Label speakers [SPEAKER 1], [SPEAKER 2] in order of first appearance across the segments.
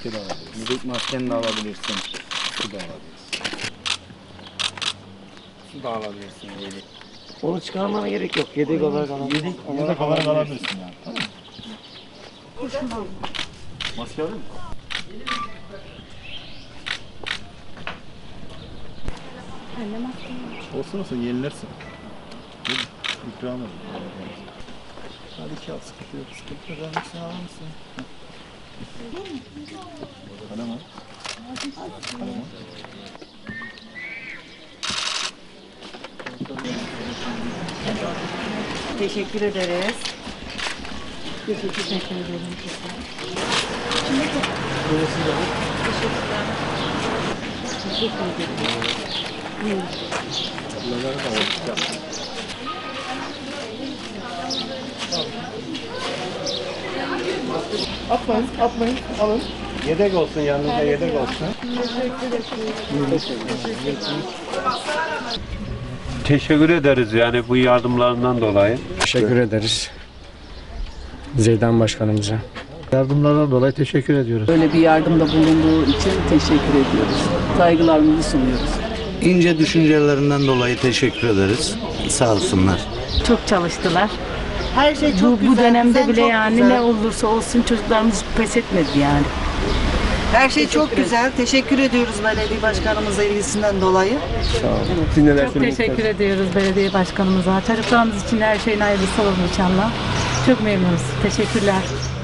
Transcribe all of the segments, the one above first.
[SPEAKER 1] Maske de alabilirsin. Yedek maskeni de alabilirsin. Su da alabilirsin. Su da alabilirsin yedek.
[SPEAKER 2] Onu çıkarmana gerek yok. Yedek olarak alabilirsin.
[SPEAKER 1] Yedek olarak alabilirsin yani. Tamam mı? Maske alır mı? Olsun olsun yenilersin. İkram olur. Hadi iki al, sıkıntı yok. Sıkıntı yok. Hangisini alır mısın? Kalem al. Kalem al.
[SPEAKER 3] Teşekkür ederiz.
[SPEAKER 4] Teşekkür ederim.
[SPEAKER 1] Bunları da alacağım. Atmayın, atmayın. Alın. Yedek olsun, yanınızda yedek olsun.
[SPEAKER 5] Teşekkür ederiz yani bu yardımlarından dolayı.
[SPEAKER 6] Teşekkür ederiz Zeydan Başkanımıza.
[SPEAKER 1] Yardımlardan dolayı teşekkür ediyoruz.
[SPEAKER 3] Böyle bir yardımda bulunduğu için teşekkür ediyoruz. Saygılarımızı sunuyoruz.
[SPEAKER 7] İnce düşüncelerinden dolayı teşekkür ederiz. Sağ olsunlar.
[SPEAKER 4] Çok çalıştılar.
[SPEAKER 3] Her şey çok güzel.
[SPEAKER 4] Bu dönemde
[SPEAKER 3] sen
[SPEAKER 4] bile
[SPEAKER 3] çok
[SPEAKER 4] yani
[SPEAKER 3] güzel.
[SPEAKER 4] ne olursa olsun çocuklarımız pes etmedi yani.
[SPEAKER 3] Her şey çok güzel. Teşekkür ediyoruz belediye başkanımıza ilgisinden dolayı.
[SPEAKER 4] Çok teşekkür ediyoruz belediye başkanımıza. Çocuklarımız için her şeyin hayırlısı olur inşallah. Çok memnunuz. Teşekkürler.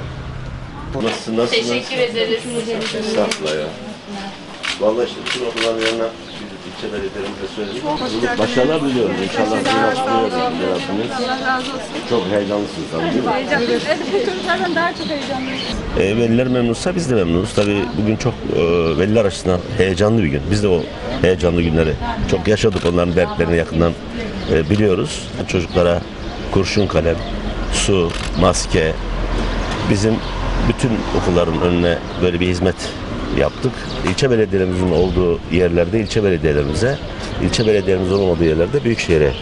[SPEAKER 8] Nasılsınız? Teşekkür ederiz. Estağfurullah ya. Vallahi işte bütün okulların yanına ilçe belediyelerimize söyledik. Başarılar diliyoruz. İnşallah sizin açıklıyoruz. Allah razı olsun. Çok heyecanlısınız tabii değil mi?
[SPEAKER 9] Heyecanlıyız. Evet, çocuklardan daha çok heyecanlıyız.
[SPEAKER 8] Veliler memnunsa biz de memnunuz. Tabii bugün çok veliler açısından heyecanlı bir gün. Biz de o heyecanlı günleri çok yaşadık. Onların dertlerini yakından biliyoruz. Çocuklara kurşun kalem, su, maske, bizim bütün okulların önüne böyle bir hizmet yaptık. İlçe belediyelerimizin olduğu yerlerde ilçe belediyelerimize, ilçe belediyelerimiz olmadığı yerlerde büyükşehire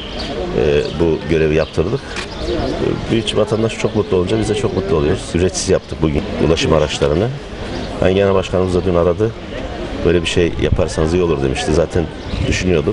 [SPEAKER 8] bu görevi yaptırdık. Büyük vatandaş çok mutlu olunca biz de çok mutlu oluyoruz. Ücretsiz yaptık bugün ulaşım araçlarını. Ben genel başkanımız da dün aradı. Böyle bir şey yaparsanız iyi olur demişti. Zaten düşünüyorduk.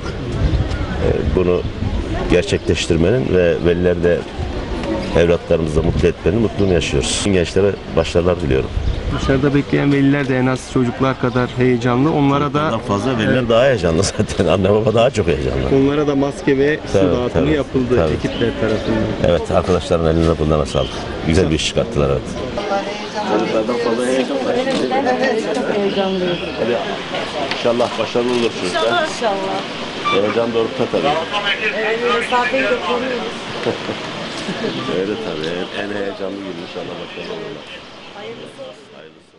[SPEAKER 8] Bunu gerçekleştirmenin ve veliler de evlatlarımızı da mutlu etmenin mutluluğunu yaşıyoruz. Gençlere başarılar diliyorum.
[SPEAKER 6] Dışarıda bekleyen veliler de en az çocuklar kadar heyecanlı. Onlara da
[SPEAKER 8] Fazla veliler daha heyecanlı zaten. Anne baba daha çok heyecanlı.
[SPEAKER 6] onlara da maske ve su
[SPEAKER 8] Tabii,
[SPEAKER 6] dağıtımı
[SPEAKER 8] tabii,
[SPEAKER 6] yapıldı
[SPEAKER 8] tabii.
[SPEAKER 6] ekipler tarafından.
[SPEAKER 8] Evet, arkadaşların eline bundan sağlık. Güzel bir iş çıkarttılar evet. Çocuklardan fazla heyecan var.
[SPEAKER 4] Çok heyecanlıyız.
[SPEAKER 8] İnşallah başarılı olur çocuklar.
[SPEAKER 4] İnşallah.
[SPEAKER 8] Heyecan doğrultuda tabii.
[SPEAKER 4] Evet, mesafeyi de koruyoruz.
[SPEAKER 8] Öyle tabii. En heyecanlı gün inşallah başarılı olurlar. Hayırlısı olsun.